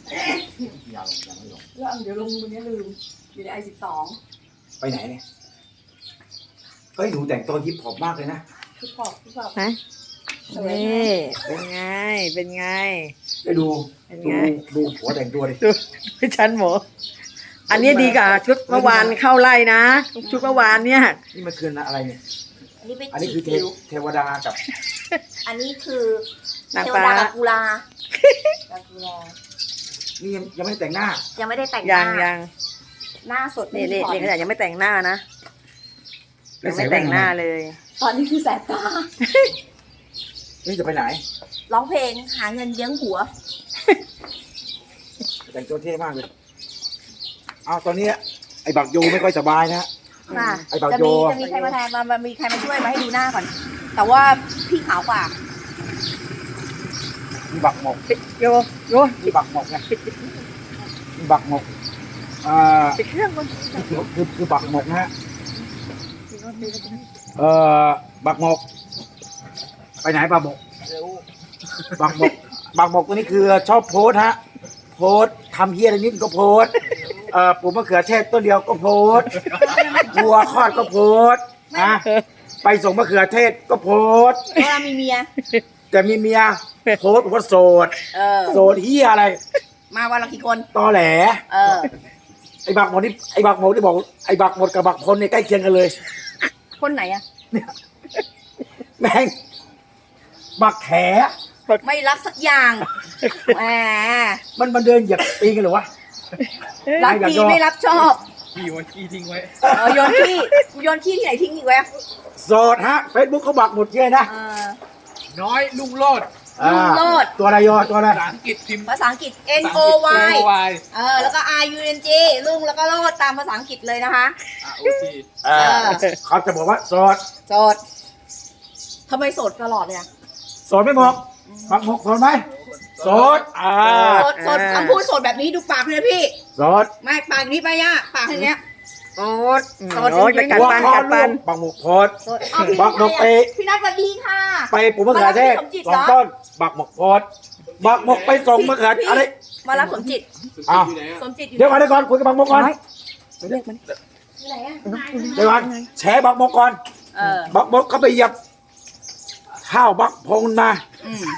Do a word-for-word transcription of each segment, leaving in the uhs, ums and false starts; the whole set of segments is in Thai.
ยังยังไม่ลงแล้วเดี๋ยวลงวันนี้ลืมอยู่ในไอสิบสองไปไหนเนี่ยเฮ้ยหนูแต่งตัวฮิปฮอปมากเลยนะทุกขอบทุกขอบฮะนี่เป็นไงเป็นไงได้ดูเป็นดูไงดูผัวแต่งตัวดิดูพี่ชันหมูอันนี้ดีกว่าชุดเมื่อวานเข้าไล่นะชุดเมื่อวานเนี่ยนี่มันคืออะไรเนี่ยอันนี้เป็นอันนี้คือเทจิ๋วเทวดากับอันนี้คือนาเทงวฟ้าดากับกุลากับกุลานี่ยังยังไม่ได้แต่งหน้ายังไม่ได้แต่งหยัน้างยังหน้าสดนี่ไม่นี่ถอดนี่ขนาดยังไม่แต่งหน้านะแล้วยังใส่ไม่แว่แต่นงทำหไมน้าเลยตอนนี้คือแสบตานี่จะไปไหนร้องเพลงหาเงินเลี้ยงหัวแต่งตัวเท่มากเลยเอาตอนนี้ไอ้บักโยไม่ค่อยสบายนะค่ะไอ้เบาจะโยมีจะมีใครมาแทนมามามีใครมาช่วยมาให้ดูหน้าก่อน แต่ว่าพี่ขาวกว่ามีบักหมกปิดโยโยมีบักหมกไงมีบักหมกอ่าปิดเครื่องก่อนคือคือคือบักหมกนะฮะเอ่อบักหมก ไปไหนบักหมกบักหมกบักหมกตัวนี้คือชอบโพสต์ฮะโพสต์ทำเฮียอะไรนิดก็โพสต์เอ่อปลูกมะเขือเทศต้นเดียวก็โพสต์วัวคลอดก็โพสต์นะไปส่งมะเขือเทศก็โพสต์เวลามีเมียแต่มีเมียโพสต์บอกว่าโสดเออโสดเฮียอะไรมาวันละกี่คนตอแหลเออไอ้บักหมดนี่ไอ้บักหมดที่บอกไอ้บักหมดกับบักพลเนี่ยใกล้เคียงกันเลยคนไหนอะแม่งบักแขไม่รับสักอย่างแหมมันมันเดินเหยียบตีกันเหรอวะรับดีไม่รับชอบพี่วันขี้ทิ้งไว้เออโยนขี้กูโยนขี้ที่ไหนทิ้งอีกวะโสดฮะเฟซบุ๊กเขาบักหมดเชื่อนะเออน้อยลุงโลดอ่าลุงโลดตัวอะไรยอตัวอะไรภาษาอังกฤษพิมพ์ภาษาอังกฤษ N O Y ยเออแล้วก็ R U N G ลุงแล้วก็โลดตามภาษาอังกฤษเลยนะคะอ่ะโอเคเออเขาจะบอกว่าโสดโสดทำไมโสดตลอดเลยอะโสดไม่บอกบักหมกโสดไหมโสดอ่าโสดโสดคำพูดโสดแบบนี้ดูปากเลยพี่โสดไม่ปากนี้ไปย่าปากอย่างเงี้ยโสดโสดโอ้ยไปกัดวัวปันคลอกัดดลูปันกบักหมกโพสโสดเอาพี่บักหมกไปพี่นัทสวัสดีค่ะไปปลูกมะเขือเทศมารับสมจิตสเหรอองต้นบักหมกโพสบักหมกไปส่งมะเขืออะไรมารับสมจิตอ้าวอยู่ไหนอะสมจิตอยู่เดี๋ยวก่อนเดี๋ยวก่อนคุยกับบักหมกก่อนที่ไหนอะเดี๋ยวก่อนแฉบักหมกก่อนเออบักหมกเขาไปเหยียบข้าวบักพงมาอืม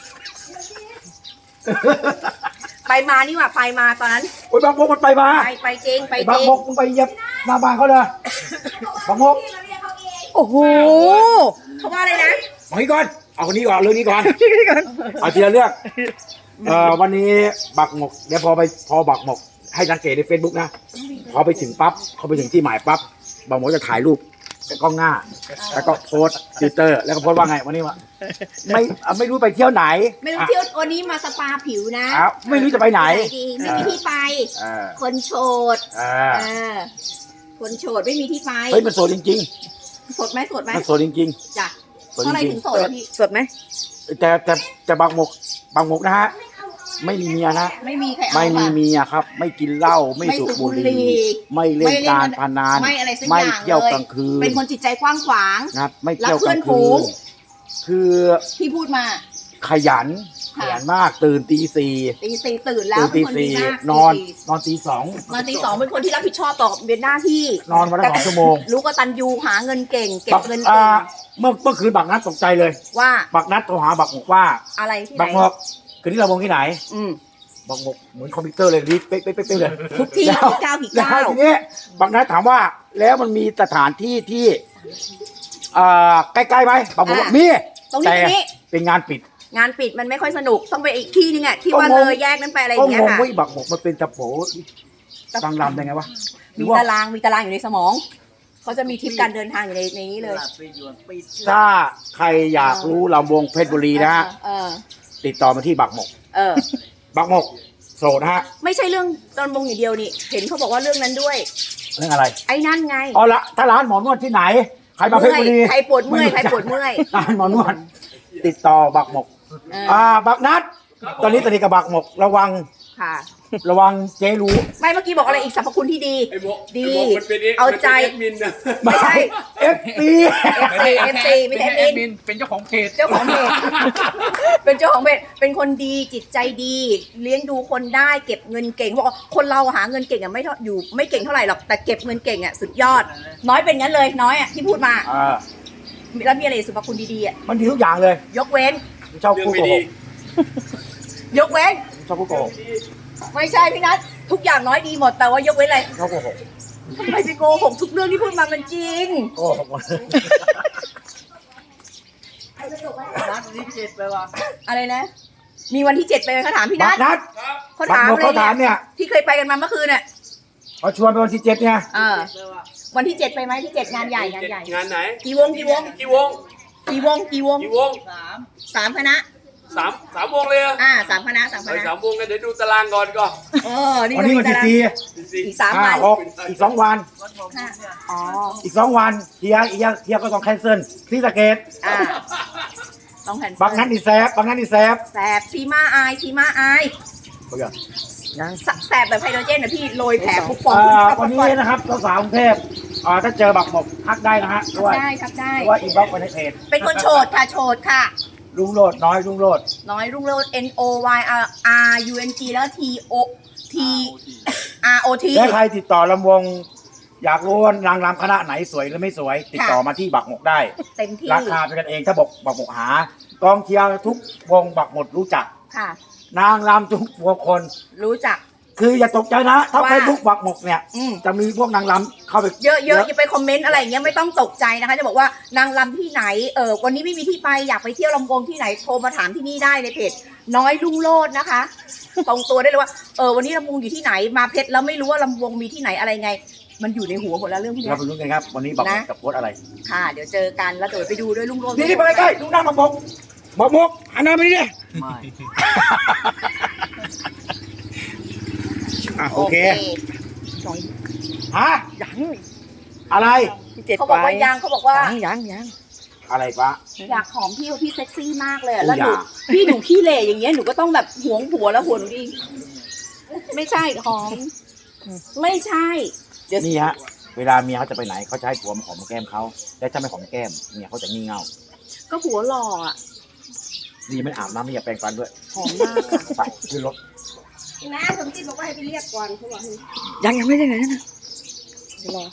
ไปมานี่หว่าไปมาตอนนั้นโอ้ยบักหมกมันไปมาไปไปจริงไปไอ้จบักริงหมกมึงไปเหยียบหน้าบ้านเขาเลยบักหมกโอ้โหเขาว่าอะไรนะเอานี้ก่อนเอาคนนี้ก่อนเรื่องนี้ก่อนเอาทีละเรื่องเอ่อวันนี้บักหมกเดี๋ยวพอไปพอบักหมกให้สังเกตในเฟซบุ๊กนะพอไปถึงปั๊บเขาไปถึงที่หมายปั๊บบักหมกจะถ่ายรูปกล้องหน้า แล้วก็โพสทวิตเตอร์แล้วก็โพสต์ว่าไงวันนี้วะไม่อ่ะไม่รู้ไปเที่ยวไหนไม่รู้เที่ยววันนี้มาสปาผิวนะอ่ะไม่รู้จะไปไหนดีไม่มีที่ไปอ่าคนโฉดอ่าเออคนโฉดไม่มีที่ไปเฮ้ยมันโสดจริงสดไหมสดไหมๆมันโสดจริงจ้ะๆเพราะอะไรถึงโสดอะพี่สดไหมแต่แต่แต่บางหมกบางหมกนะฮะไม่มีเมียนะไม่มีใครเอาไม่มีค่ะเมียครับ ไม่กินเหล้าไม่สูบบุหรี่ไม่เล่นการพนันไม่อะไรสักไม่อย่างเที่ยวเลยกลางคืนเป็นคนจิตใจกว้างขวางนะครับไม่เที่ยวกลางรักเพื่อนฝูคืงนคือที่พูดมาขยันขค่ะยันมากตื่นตีสี่ตีสี่ตื่นแล้วตื่นเป็ตีนคนดีสี่มากนอนตีสี่นอนตีสองมาตีสองเป็นคนที่รับผิดชอบต่อเป็นหน้าที่นอนวันละสองชั่วโมงรู้กตัญญูหาเงินเก่ง เก็บเงินอ่าเก่งเมื่อเมื่อคืนบักนัดตกใจเลยว่าบักนัดโทรหาบักหมกว่าอะไรที่ไหบักหมนกคืนนี้เราวงที่ไหนอืมบักหมกเหมือนคอมพิวเตอร์เลยรีบเป๊ะเป๊ะเป๊ะเป๊ะเลยทุกที่แล้วกี่ก้าวกี่แล้วก้าวทีนี้บักนัดถามว่าแล้วมันมีสถานที่ที่อ่าใกล้ๆไหมบักหมกบอกมีตรงนี้แต่ตรงนี้เป็นงานปิดงานปิดมันไม่ค่อยสนุกต้องไปอีกที่นึงอ่ะที่ว่าก็งงเลยแยกนั้นไปอะไรอก็ย่างเงี้งยงค่ะว่าบักหมกมันเป็นตะโผตังรำได้ไงวะหรืมีอว่าตารางมีตารางอยู่ในสมองเขาจะมีทริปการเดินทางอยู่ในในนี้เลยถ้าใครอยากรู้ลำวงเพชรบุรีนะฮะเออติดต่อมาที่บักหมกเออบักหมกโสดนะฮะไม่ใช่เรื่องตอนมงอย่างเดียวนี่เห็นเขาบอกว่าเรื่องนั้นด้วยเรื่องอะไรไอ้นั่นไงอ๋อละถ้าร้านหมอนวดที่ไหนใครมาเพชรบุรีใครปวดเมื่อยใครปวดเมื่อยร้านหมอนวดติดต่อบักหมกเอออ่าบักนัดตอนนี้ตอนนี้กับบักหมกระวังค่ะระวังเจ๊รู้ไม่เมื่อกี้บอกอะไรอีกสรรพคุณที่ดีไอ้โบดีไอ้โบมันเป็นเอเอาใจมันเป็นแอดมินนะไม่ใช่เอฟซีเอฟซีเอฟซีไม่ใช่แอเอ็ดนมินเป็นเจ้าของเพจเจ้าของเพจ เป็นเจ้าของเพจเป็นคนดีจิตใจดี เลี้ยงดูคนได้เก็บเงินเก่งบอกว่าคนเราหาเงินเก่งอ่ะไม่เท่าอยู่ไม่เก่งเท่าไหร่หรอกแต่เก็บเงินเก่งอ่ะสุดยอด น้อยเป็นงั้นเลยน้อยอ่ะที่พูดมาอ่าแล้วมีอะไรอีกสรรพคุณดีๆอ่ะมันดีทุกอย่างเลยยกเว้นผมชอบเรื่องพูดไม่โกหดีกยกเว้นผมชอบพูดโกหกไม่ใช่พี่นัททุกอย่างน้อยดีหมดแต่ว่ายกเว้นอะไรผมชอบโกหกทำไมไปโกหกทุกเรื่องที่พูดมามันจริงโกหกหมดนัดที่เจ็ดไปว่ะอะไรนะ มีวันที่เจ็ดไปไหมเขาถามพี่บันักทนัดเขาบักถามหมกเลเขายถามเนี่ยเนี่ยที่เคยไปกันมาเมื่อคืนเนี่ยเขาชวนไปวันที่เจ็ดเนี่ยเออวันที่เจ็ดไปไหมที่เจ็ดงานใหญ่งานใหญ่งานไหนกี่วงกี่วงกี่วงกี่วงกี่วงกี่วงสามคณะสามสามวงเลยเหรออ่าสามคณะสามคเออณะสามวงกันเดี๋ยวดูตารางก่อนก่อนเออนี่วันนี้วันที่สี่สี่อีกสามห้าวันหกอีกสองวันห้าอ๋ออีกสองวันเฮียอีกเฮียก็ต้องแคนเซิลที่สะเกตอ่าต้องแผ่นบางนั้นอีแซบบางนั้นอีแซบแสบซีมาอายซีมาอายยังแสบแบบไฮโดรเจนนะพี่โรยแผลปุ๊บฟองเอ่อปุ๊บวันนี้นะครับสาวๆกรุงเทพเอ่อถ้าเจอบักหมกทักได้นะฮะเพราะว่าได้ครับได้เพราะว่าอินบ็อกซ์ไปในเพจเป็นคนโฉดค่ะโฉดค่ะลุงโลดน้อยลุงโลดน้อยรุ่งโรจน์ N O Y R R U N G แล้ว T O T R O T ถ้าใครติดต่อลำวง อยากรู้ว่านางรำคณะไหนสวยหรือไม่สวย ติดต่อมาที่บักหมกได้เต็มที่ราคาเป็นกันเองถ้าบอกบักหมกหากองเชียร์ทุกวงบักหมดรู้จักค่ะนางรำทุกวงคนรู้จักคืออย่าตกใจนะ ถ้าว่าเฟซบุ๊กบักหมกเนี่ยอืมจะมีพวกนางรำเข้าไปเยอะๆอย่าไปคอมเมนต์อะไรอย่างเงี้ยไม่ต้องตกใจนะคะ จะบอกว่านางรำที่ไหนเออวันนี้ไม่มีที่ไปอยากไปเที่ยวลำวงที่ไหนโทรมาถามที่นี่ได้ในเพจน้อยรุ่งโรจน์นะคะ ตรงตัวได้เลยว่าเออวันนี้ลำวงอยู่ที่ไหนมาเพชรแล้วไม่รู้ว่าลำวงมีที่ไหนอะไรไง มันอยู่ในหัวหมดแล้วเรื่องพวกเราเนี้ยไปลุ้นกันครับ วันนี้บักหมกนะจะโพสต์อะไรค่ะ เดี๋ยวเจอกันแล้วเดี๋ยวไปดูด้วยรุ่งโรจน์นี่นี่ไปใกล้ๆดูหน้าบักหมกบักหมกหันหน้าไปนี่ดิไม่อ่ะโอเคสองฮะยังอะไรที่เจ็ดเขาบอกว่ายังเขาบอกว่ายังยังยังอะไรปะอยากหอมพี่ว่าพี่เซ็กซี่มากเลยอะแล้วหนูอยากพี่หนูขี้เหร่อย่างเงี้ยหนูก็ต้องแบบหวงผัวแล้วหัวหนูดีไม่ใช่หอม ไม่ใช่ เดี๋ยวนี่ฮะ เวลาเมียเขาจะไปไหนเขาจะให้ผัวมาหอมแก้มเขาแล้วถ้าไม่หอมแก้มเมียเขาจะงี่เง่าก็ผัวหล่ออ่ะนี่ไม่อาบน้ำไม่อยากแปรงฟันด้วยหอมมากอะไปขึ้นรถนะสมจิตบอกว่าให้ไปเรียกก่อนเขาบอกให้ยังยังไม่ได้ไหนนะเดี๋ยวรอบ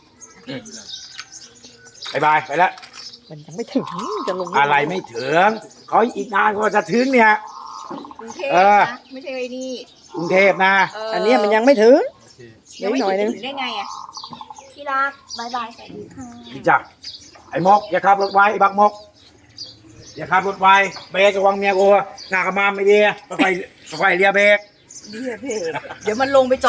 ายบายไปแล้วมันยังไม่ถึงจะลงอะไรไม่ถึงเขาอีกนานกว่าจะถึงเนี่ยกรุงเทพเออนะไม่ใช่ไอ้นี่กรุงเทพนะเอันเนี้ยมันยังไม่ถึงยัเดี๋ยวไม่หน่อยนึงถึงได้ไงอ่ะที่รักบายบายสวัสดีค่ะพี่จ้ะไอ้มกอย่าขับรถไวไอ้บักมกอย่าขับรถไวเบรกระวังเมียกูหน้ากระมามไม่ดีค่อยๆค่อยๆเลียเบรกเรียเพจเดี๋ยวมันลงไปจอด